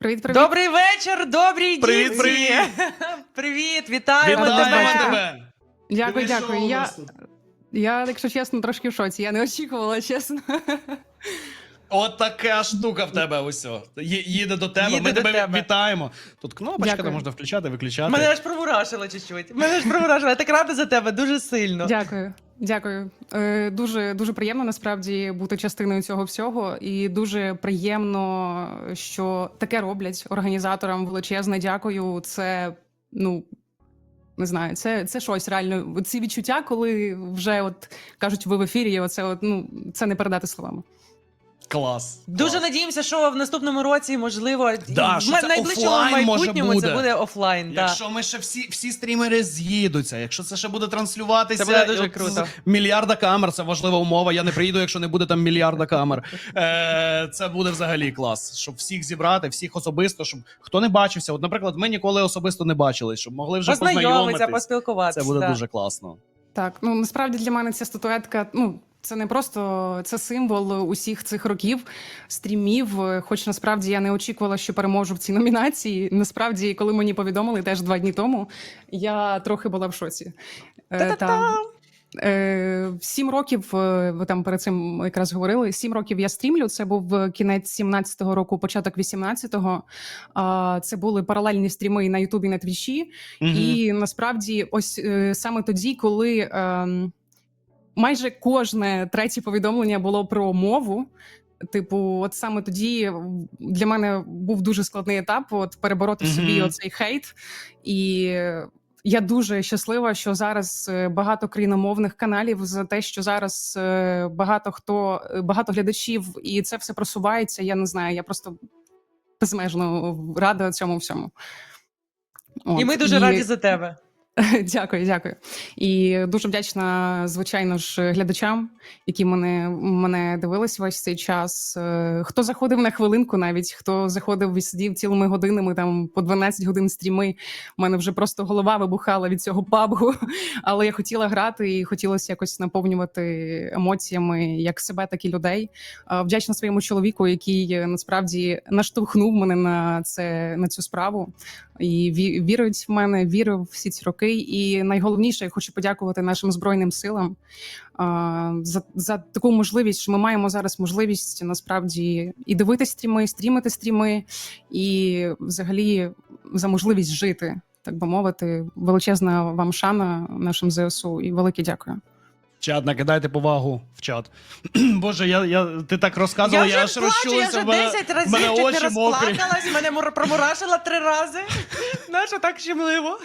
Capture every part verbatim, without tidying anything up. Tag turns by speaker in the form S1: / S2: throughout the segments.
S1: Привіт, привіт.
S2: Добрий вечір, добрі
S3: Привіт,
S2: дітки!
S3: привіт.
S2: Привіт, вітаємо
S3: Вітаємо
S2: тебе!
S3: тебе!
S1: Дякую,
S3: Диви, що
S1: дякую.
S3: у
S1: Я,
S3: нас тут?
S1: я, якщо чесно, трошки в шоці. Я не очікувала, чесно.
S3: От така штука в тебе усьо. Ї- Їде до тебе,
S2: Їде
S3: ми
S2: до
S3: тебе
S2: тебе.
S3: вітаємо. Тут кнопочка,
S1: Дякую.
S3: де можна включати, виключати.
S2: Мене аж промурашило чуть-чуть. Мене аж промурашило. Я так рада за тебе, дуже сильно.
S1: Дякую. Дякую. Е, дуже, дуже приємно насправді бути частиною цього всього. І дуже приємно, що таке роблять організаторам. Величезне дякую. Це, ну, не знаю, це, це щось реально. Ці відчуття, коли вже от кажуть, ви в ефірі, оце от, ну, це не передати словами.
S3: Клас.
S2: Дуже
S3: клас.
S2: надіємося, що в наступному році, можливо,
S3: Да,
S2: в
S3: що
S2: ма-
S3: це
S2: найближчому
S3: офлайн може
S2: майбутньому
S3: буде.
S2: це буде офлайн. Да.
S3: Якщо ми ще всі, всі стрімери з'їдуться, якщо це ще буде транслюватися,
S2: Це буде дуже
S3: от
S2: круто.
S3: з мільярда камер, це важлива умова. Я не приїду, якщо не буде там мільярда камер. Е, це буде взагалі клас. Щоб всіх зібрати, всіх особисто, щоб хто не бачився. От, наприклад, ми ніколи особисто не бачились, щоб могли вже
S2: Познайомитися,
S3: познайомитись.
S2: поспілкуватися.
S3: Це буде
S2: да.
S3: дуже класно.
S1: Так, ну насправді для мене ця статуетка, ну це не просто це символ усіх цих років стрімів. Хоч насправді я не очікувала, що переможу в цій номінації. Насправді, коли мені повідомили теж два дні тому, я трохи була в шоці. Е, та, е, Сім років, е, ви там перед цим якраз говорили. Сім років я стрімлю. Це був кінець сімнадцятого року, початок вісімнадцятого. А це були паралельні стріми на Ютубі, на Твічі.
S3: Мгм.
S1: І насправді, ось е, саме тоді, коли е, майже кожне третє повідомлення було про мову. Типу, от саме тоді для мене був дуже складний етап от перебороти в собі
S3: Мгм.
S1: оцей хейт. І я дуже щаслива, що зараз е, багато країномовних каналів за те, що зараз е, багато хто багато глядачів, і це все просувається. Я не знаю, я просто безмежно рада цьому всьому. От,
S2: І ми дуже раді за тебе.
S1: Дякую, дякую. І дуже вдячна, звичайно ж, глядачам, які мене, мене дивились весь цей час. Е, Хто заходив на хвилинку навіть, хто заходив і сидів цілими годинами, там по дванадцять годин стріми. У мене вже просто голова вибухала від цього пабгу. Але я хотіла грати і хотілося якось наповнювати емоціями як себе, так і людей. Е, Вдячна своєму чоловіку, який е, насправді наштовхнув мене на, це, на цю справу. І ві- вірить в мене, вірив всі ці роки. І найголовніше, я хочу подякувати нашим Збройним силам а, за, за таку можливість, що ми маємо зараз можливість насправді і дивитися стріми, і стрімити стріми, і взагалі за можливість жити, так би мовити. Величезна вам шана нашим ЗСУ і велике дякую.
S3: Чат, накидайте повагу в чат. Боже, я, я, ти так розказувала,
S2: Я
S3: я,
S2: вже
S3: аж
S2: плачу, я
S3: розчулився.
S2: вже
S3: в мене-
S2: десять
S3: в
S2: разів
S3: мене
S2: чуть не
S3: очі мокрі.
S2: розплакалась, мене мур- промурашила три рази. Нащо так щемливо?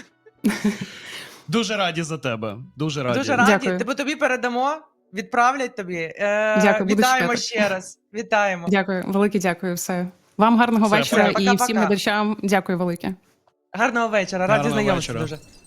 S3: Дуже раді за тебе. Дуже раді.
S2: Дуже раді.
S1: Дякую.
S2: Тебе тобі передамо, відправлять тобі. Е,
S1: Дякую, буду
S2: Вітаємо
S1: чекати.
S2: ще раз. Вітаємо.
S1: Дякую, велике дякую. Все. Вам гарного
S3: Все,
S1: вечора
S2: все,
S1: і
S2: пока-пока.
S1: всім глядачам. Дякую велике.
S2: Гарного вечора, раді
S3: Гарного
S2: знайомитися
S3: вечора.
S2: дуже.